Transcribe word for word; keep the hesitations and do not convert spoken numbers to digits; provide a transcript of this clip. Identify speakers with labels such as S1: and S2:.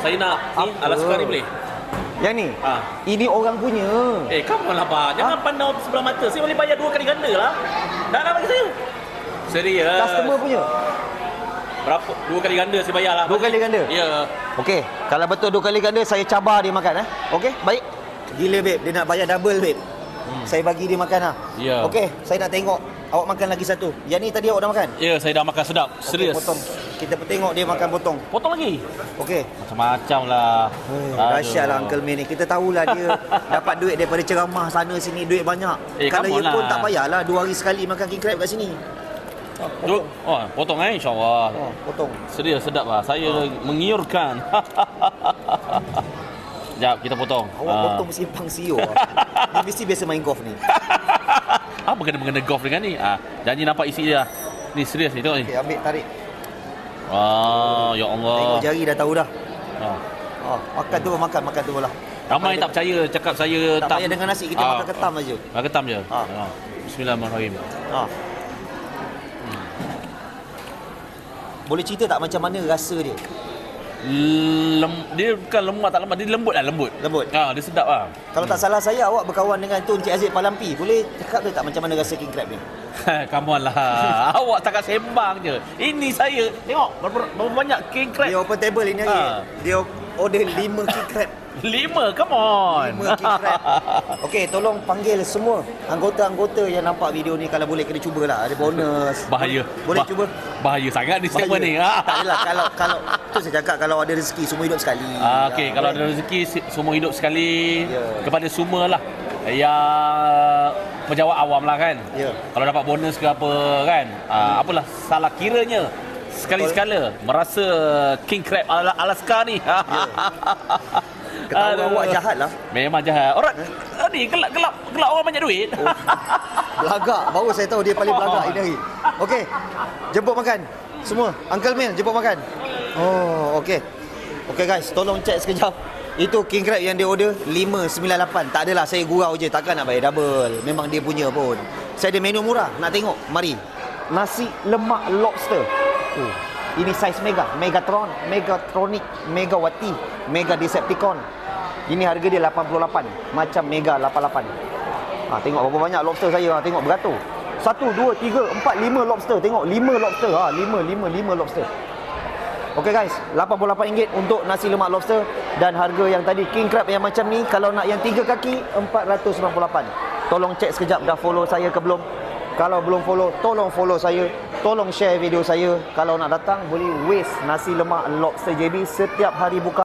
S1: Saya nak ni Alaska ni boleh?
S2: Yang ni?
S1: Ha.
S2: Ini orang punya.
S1: Eh, come on lah, Pak. Jangan ha? pandang sebelah mata. Saya boleh bayar dua kali ganda lah. Dah nak bagi saya. Serius.
S2: Customer punya.
S1: Berapa? Dua kali ganda saya bayar lah.
S2: Dua kali ganda?
S1: Ya.
S2: Okey, kalau betul dua kali ganda, saya cabar dia makan eh. Okey, baik. Gila babe, dia nak bayar double babe. Hmm. Saya bagi dia makan lah.
S1: Ya.
S2: Okey, saya nak tengok awak makan lagi satu. Yang ni tadi awak dah makan?
S1: Ya, saya dah makan sedap. Serius.
S2: Okay, potong. Kita tengok dia makan potong.
S1: Potong lagi?
S2: Okey.
S1: Macam-macam lah.
S2: Dahsyat lah Uncle May ni. Kita tahulah dia dapat duit daripada ceramah sana sini, duit banyak.
S1: Eh,
S2: kalau dia pun
S1: lah.
S2: tak payahlah dua hari sekali makan king crab kat sini.
S1: Oh, potong. Oh, potong eh insya-Allah.
S2: Oh, potong.
S1: Serius sedap lah. Saya oh. mengiurkan. Sekejap, kita potong.
S2: Awak uh. potong simpang siur. Dia mesti biasa main golf ni.
S1: Apa kena mengena golf dengan ni? Ah, janji nampak isi dia. Ni serius ni, tengok ni.
S2: Okay, ambil tarik.
S1: Ah, ya Allah.
S2: Tengok jari dah tahu dah.
S1: Ah.
S2: Oh, makan tu makan makan tu lah.
S1: Ramai tak percaya cakap saya
S2: tak
S1: tak
S2: payah dengan nasi, kita ah. makan ketam aja.
S1: Ah, ketam je.
S2: Ah.
S1: Ah. Bismillahirrahmanirrahim.
S2: Ah. Hmm. Boleh cerita tak macam mana rasa dia?
S1: Lem, dia bukan lemak tak lemak, dia lembut lah, lembut.
S2: Lembut.
S1: Ha, dia sedap lah.
S2: Kalau hmm. tak salah saya, awak berkawan dengan tu Encik Aziz Palampi. Boleh cakap tu tak macam mana rasa king crab ni?
S1: Come on lah. Awak takkan sembang je. Ini saya. Tengok berapa, berapa banyak king crab.
S2: Dia open table ini hari. Ha. Dia order lima king crab.
S1: Lima? Come on.
S2: Lima king crab. Okey, tolong panggil semua anggota-anggota yang nampak video ni. Kalau boleh kena cubalah. Ada bonus.
S1: Bahaya.
S2: Boleh, boleh
S1: bah-
S2: cuba.
S1: Bahaya sangat ni segmen ni.
S2: Tak adalah. Kalau, kalau tu saya cakap, kalau ada rezeki semua hidup sekali.
S1: Ah, Okey,
S2: ya,
S1: kalau
S2: boleh.
S1: ada rezeki semua hidup sekali.
S2: Ya.
S1: Kepada semua lah yang penjawat awam lah kan.
S2: Ya.
S1: Kalau dapat bonus ke apa kan. Ah, apalah salah kiranya. Sekali-sekala merasa king crab Alaska ni. Ya.
S2: Ketawa awak jahat lah.
S1: Memang jahat. Orang eh? ni gelap gelap gelap orang banyak duit.
S2: Oh, belagak. Baru saya tahu dia paling belagak ini hari. Okey. Jemput makan. Semua. Uncle Mel jemput makan. Oh, okey. Okey guys, tolong cek sekejap. Itu king crab yang dia order lima sembilan lapan. Tak adalah saya gurau je, takkan nak bayar double. Memang dia punya pun. Saya ada menu murah. Nak tengok? Mari. Nasi lemak lobster. Oh. Ini saiz mega, Megatron, Megatronic, Megawati, Mega Decepticon. Ini harga dia lapan puluh lapan, macam Mega lapan puluh lapan. Ha, tengok berapa banyak lobster saya, ha, tengok beratur. Satu, dua, tiga, empat, lima lobster. Tengok, lima lobster. Ha, lima, lima, lima lobster. Okey guys, lapan puluh lapan ringgit untuk nasi lemak lobster. Dan harga yang tadi, king crab yang macam ni, kalau nak yang tiga kaki, empat ratus sembilan puluh lapan. Tolong cek sekejap dah follow saya ke belum. Kalau belum follow, tolong follow saya. Tolong share video saya. Kalau nak datang, boleh waste nasi lemak lobster J B setiap hari buka.